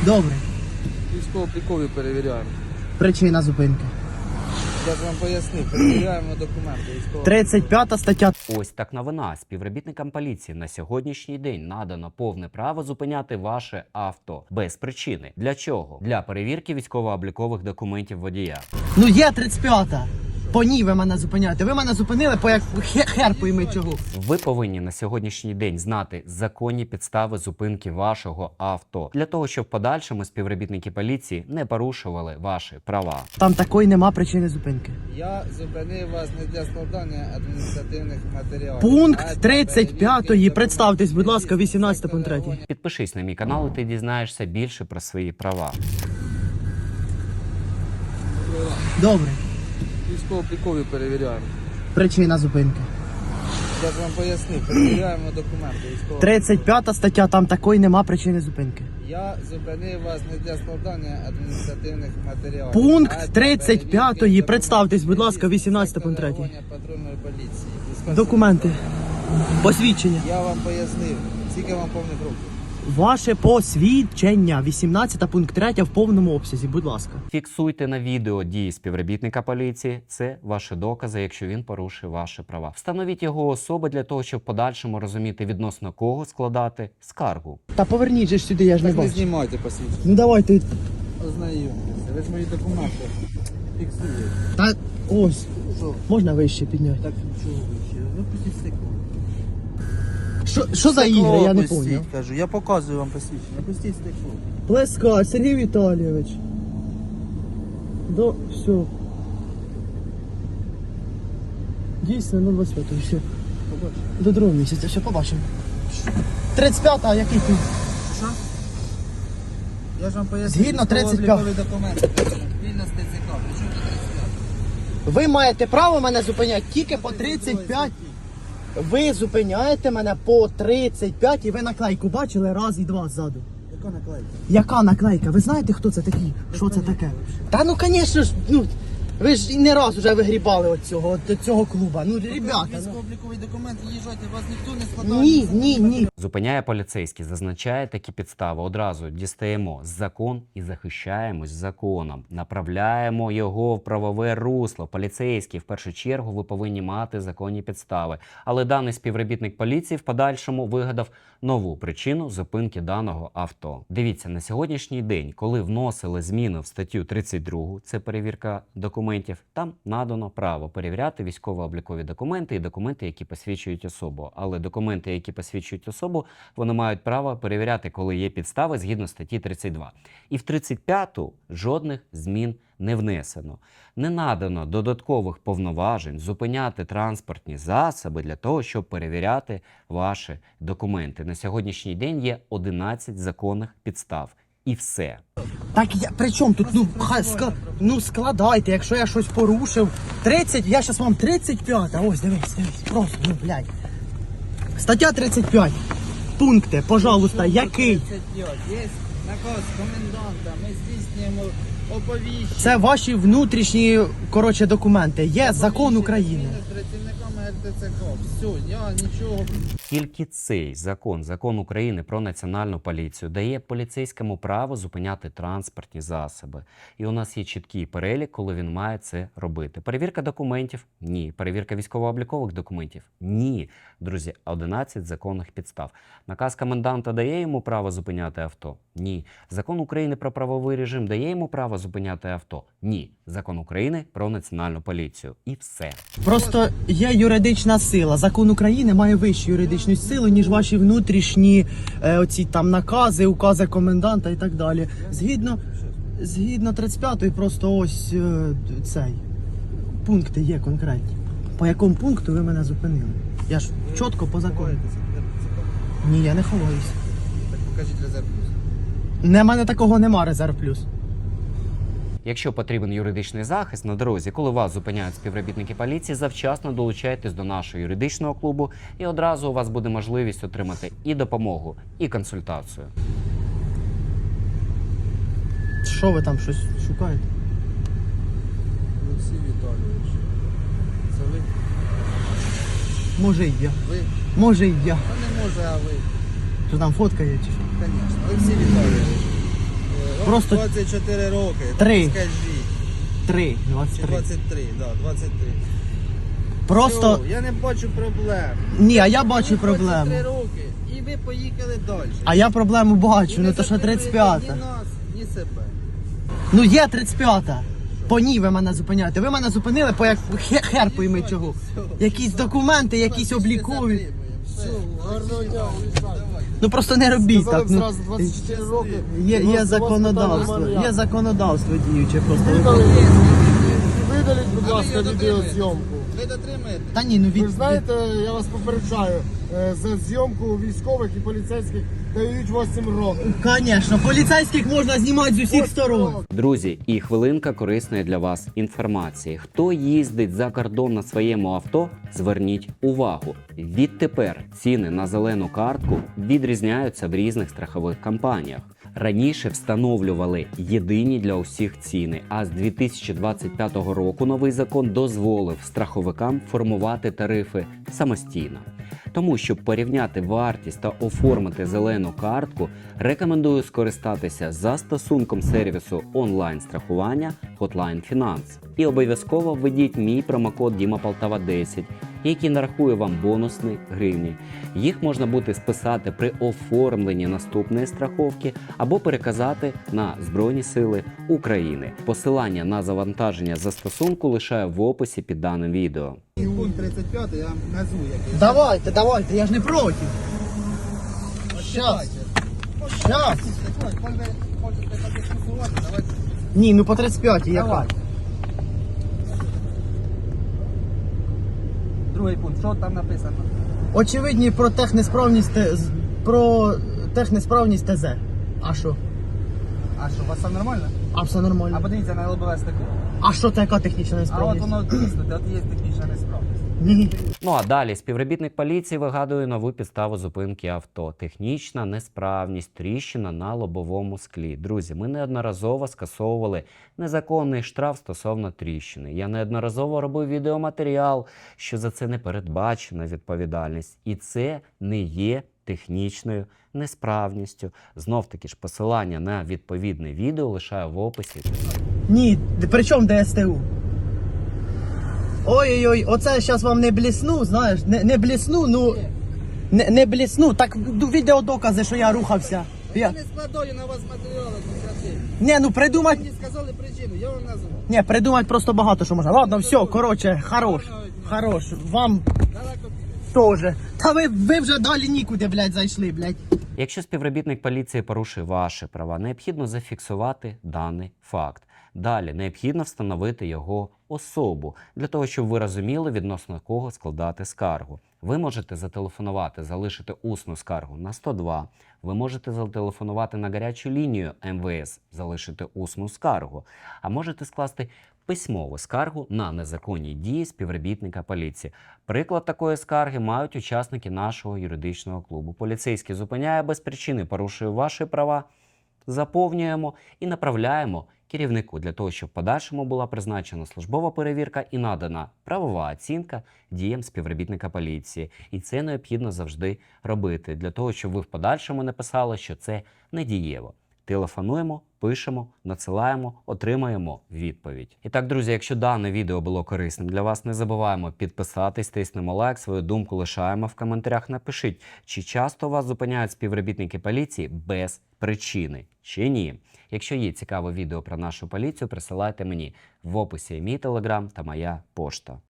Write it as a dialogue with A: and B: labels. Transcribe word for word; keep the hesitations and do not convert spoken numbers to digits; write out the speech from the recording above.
A: Добре.
B: Військово-облікові перевіряємо.
A: Причина зупинки.
B: Я ж вам пояснив, перевіряємо документи військово.
A: тридцять п'ята стаття.
C: Ось так новина. Співробітникам поліції на сьогоднішній день надано повне право зупиняти ваше авто без причини. Для чого? Для перевірки військово-облікових документів водія.
A: Ну є тридцять п'ята. По ній ви мене зупиняєте. Ви мене зупинили по як хер, хер пойми чого.
C: Ви повинні на сьогоднішній день знати законні підстави зупинки вашого авто для того, щоб в подальшому співробітники поліції не порушували ваші права.
A: Там такої нема причини зупинки.
B: Я зупинив вас не для складання адміністративних матеріалів.
A: Пункт
B: а для
A: тридцять п'ятої.
B: перевірки
A: Представтесь, будь ласка,
B: документів
A: вісімнадцятий пункт третій.
B: реагування.
C: Підпишись на мій канал, і ти дізнаєшся більше про свої права.
A: Добре.
B: Військово-облікові перевіряємо.
A: Причина зупинки.
B: Я ж вам пояснив, перевіряємо документи військово.
A: тридцять п'ята стаття, там такої нема причини зупинки.
B: Я зупинив вас не для складання адміністративних матеріалів. а
A: Пункт
B: для
A: тридцять п'ятої.
B: перевірки
A: Представтесь, будь ласка,
B: документів
A: вісімнадцятий пункт третій.
B: реагування патрульної поліції.
A: Документи. Посвідчення.
B: Я вам пояснив, скільки вам повних років.
A: Ваше посвідчення. вісімнадцятий пункт третій в повному обсязі, будь ласка.
C: Фіксуйте на відео дії співробітника поліції. Це ваші докази, якщо він порушив ваші права. Встановіть його особи для того, щоб в подальшому розуміти, відносно кого складати скаргу.
A: Та поверніть же ж сюди, я ж не
B: Так не
A: бачу.
B: знімайте посвідчення.
A: Ну давайте.
B: Ознайомтеся. Ви ж мої документи фіксуєте.
A: Та ось.
B: Що?
A: Можна вище підняти.
B: Так чого ви ще? Ну пустіть стекло.
A: Що, що за ігри, я не поняв.
B: Кажу, я показую вам посвідчення. Пустіть стекло.
A: Плескар, Сергій Віталійович. До, все. Дійсно, ну двадцять п'ятого, все.
B: Побачите.
A: До другого місяця, все, побачимо. тридцять п'ята, а який ти?
B: Що? Я ж вам поясню.
A: Згідно тридцять п'ять.
B: військово-облікові документи. Вільно з ТЦК. Причому до тридцять п'ять?
A: Ви маєте право мене зупиняти тільки по тридцять п'ять. Ви зупиняєте мене по тридцять п'ять і ви наклейку бачили раз і два ззаду.
B: Яка наклейка?
A: Яка наклейка? Ви знаєте, хто це такий? Що це таке? Та ну, звісно ж, ну, ви ж і не раз вже вигрібали от цього, от цього клуба. Ну, ребята, ну.
B: Військово-обліковий документ, їжджайте, вас ніхто не складає.
A: Ні, ні, ні.
C: Зупиняє поліцейський, зазначає такі підстави. Одразу дістаємо закон і захищаємось законом. Направляємо його в правове русло. Поліцейський, в першу чергу, ви повинні мати законні підстави. Але даний співробітник поліції в подальшому вигадав нову причину зупинки даного авто. Дивіться, на сьогоднішній день, коли вносили зміни в статтю тридцять другу, це перевірка документів, там надано право перевіряти військово-облікові документи і документи, які посвідчують особу. Але документи, які посвідчують особу, вони мають право перевіряти, коли є підстави згідно статті тридцять два. І в тридцять п'яту жодних змін не внесено. Не надано додаткових повноважень зупиняти транспортні засоби для того, щоб перевіряти ваші документи. На сьогоднішній день є одинадцять законних підстав. І все.
A: Так я при чому тут? Ну, хай ска, ну складайте, якщо я щось порушив. тридцять, я зараз вам тридцять п'ята. Ось, дивись, дивись, просто, ну, блядь. Стаття тридцять п'ять. Пункти, пожалуйста, який?
B: тридцять п'ять. Є наказ коменданта, ми здійснюємо оповіщення.
A: Це ваші внутрішні, коротше, документи. Є закон України.
B: З працівниками ел те це ка. Все, я нічого.
C: Тільки цей закон, закон України про національну поліцію, дає поліцейському право зупиняти транспортні засоби. І у нас є чіткий перелік, коли він має це робити. Перевірка документів? Ні. Перевірка військово-облікових документів? Ні. Друзі, одинадцять законних підстав. Наказ коменданта дає йому право зупиняти авто? Ні. Закон України про правовий режим дає йому право зупиняти авто? Ні. Закон України про національну поліцію. І все.
A: Просто є юридична сила. Закон України має вищу юридичну силу, ніж ваші внутрішні е, оці там накази, укази коменданта і так далі. Згідно, згідно тридцять п'ятої просто ось е, цей пункти є конкретні. По якому пункту ви мене зупинили? Я ж чітко по закону. Ні, я не ховаюся.
B: Так покажіть резерв плюс.
A: Не, в мене такого нема, резерв плюс.
C: Якщо потрібен юридичний захист на дорозі, коли вас зупиняють співробітники поліції, завчасно долучайтесь до нашого юридичного клубу, і одразу у вас буде можливість отримати і допомогу, і консультацію.
A: Що ви там щось шукаєте?
B: Олексій Віталійович. Це ви?
A: Може і я.
B: Ви?
A: Може і я.
B: Та не може, а ви.
A: Що там фотка є чи що?
B: Звісно. Олексій Віталійович.
A: Просто
B: двадцять чотири роки.
A: Три.
B: Скажіть.
A: три, двадцять
B: Чи
A: три.
B: двадцять три, да, двадцять три.
A: Просто
B: Все, я не бачу проблем.
A: ні, а я бачу
B: Мені
A: проблему.
B: двадцять три роки, і ви поїхали далі.
A: А я проблему
B: І
A: бачу,
B: не
A: ну то що
B: затримуєте
A: тридцять п'ята.
B: Ні нас, ні себе.
A: Ну є тридцять п'ята. По ній ви мене зупиняєте. Ви мене зупинили по як хе- хер пойми чого. Якісь документи, якісь облікові.
B: Все,
D: Гарного дня, уїжджайте.
A: Ну просто не робіть
D: Сказали
A: так.
D: б
A: Ну,
D: зразу двадцять чотири роки.
A: є,
D: у вас- у
A: є
D: вас
A: законодавство,
D: питань немає.
A: є законодавство діюче просто.
D: Видали- Видаліть, будь ласка, відеозйомку.
B: ви дотримаєте?
A: Та ні, ну від...
D: Ви ж знаєте, я вас попереджаю, е, за зйомку військових і поліцейських дають вісім років.
A: Звісно, поліцейських можна знімати з усіх сторон.
C: Друзі, і хвилинка корисної для вас інформації. Хто їздить за кордон на своєму авто, зверніть увагу. Відтепер ціни на зелену картку відрізняються в різних страхових компаніях. Раніше встановлювали єдині для усіх ціни, а з дві тисячі двадцять п'ятого року новий закон дозволив страховикам формувати тарифи самостійно. Тому, щоб порівняти вартість та оформити зелену картку, рекомендую скористатися застосунком сервісу онлайн-страхування Hotline Finance. І обов'язково введіть мій промокод Діма Полтава десять, який нарахує вам бонусні гривні. Їх можна буде списати при оформленні наступної страховки або переказати на Збройні Сили України. Посилання на завантаження застосунку лишаю в описі під даним відео.
B: Пункт тридцять п'ять я вам назву який.
A: Давайте, давайте, я ж не проти. Щас. Щас.
B: Коли ви хочете подискусувати, давайте.
A: Ні, ну по тридцять п'ятій яка?
B: Давай. Другий пункт, що там написано?
A: Очевидні про технесправність Т- з- про технесправність ТЗ. А що?
B: А що, у вас все нормально?
A: А все
B: А
A: нормально.
B: подивіться на лобове стекло.
A: А що це яка технічна
B: А от
A: несправність?
B: воно тиснути, от є технічна несправність.
A: Ні.
C: Ну а далі співробітник поліції вигадує нову підставу зупинки авто. Технічна несправність, тріщина на лобовому склі. Друзі, ми неодноразово скасовували незаконний штраф стосовно тріщини. Я неодноразово робив відеоматеріал, що за це не передбачена відповідальність. І це не є технічною несправністю. Знов-таки ж посилання на відповідне відео лишаю в описі.
A: Ні, д- при чому ДСТУ? Ой-ой-ой, оце зараз вам не блісну, знаєш, не, не блісну, ну не, не блісну, так ну, відеодокази, що я рухався. Я...
B: Я не складаю на вас матеріали адміністративні.
A: Ні, ну
B: Ви
A: придумать,
B: мені сказали причину, я вам назвав.
A: ні, придумать просто багато що можна. Ладно, все, коротше, хорош, хорош, вам
B: Далеко
A: теж. Та ви, ви вже далі нікуди, блядь, зайшли, блядь.
C: Якщо співробітник поліції порушує ваші права, необхідно зафіксувати даний факт. Далі необхідно встановити його особу, для того, щоб ви розуміли, відносно кого складати скаргу. Ви можете зателефонувати, залишити усну скаргу на сто два, ви можете зателефонувати на гарячу лінію ем ве ес, залишити усну скаргу, а можете скласти письмову скаргу на незаконні дії співробітника поліції. Приклад такої скарги мають учасники нашого юридичного клубу. Поліцейський зупиняє без причини, порушує ваші права, заповнюємо і направляємо керівнику для того, щоб в подальшому була призначена службова перевірка і надана правова оцінка діям співробітника поліції. І це необхідно завжди робити, для того, щоб ви в подальшому не писали, що це недієво. Телефонуємо, пишемо, надсилаємо, отримаємо відповідь. І так, друзі, якщо дане відео було корисним для вас, не забуваємо підписатись, тиснемо лайк, свою думку лишаємо в коментарях. Напишіть, чи часто вас зупиняють співробітники поліції без причини, чи ні. Якщо є цікаве відео про нашу поліцію, присилайте мені в описі мій телеграм та моя пошта.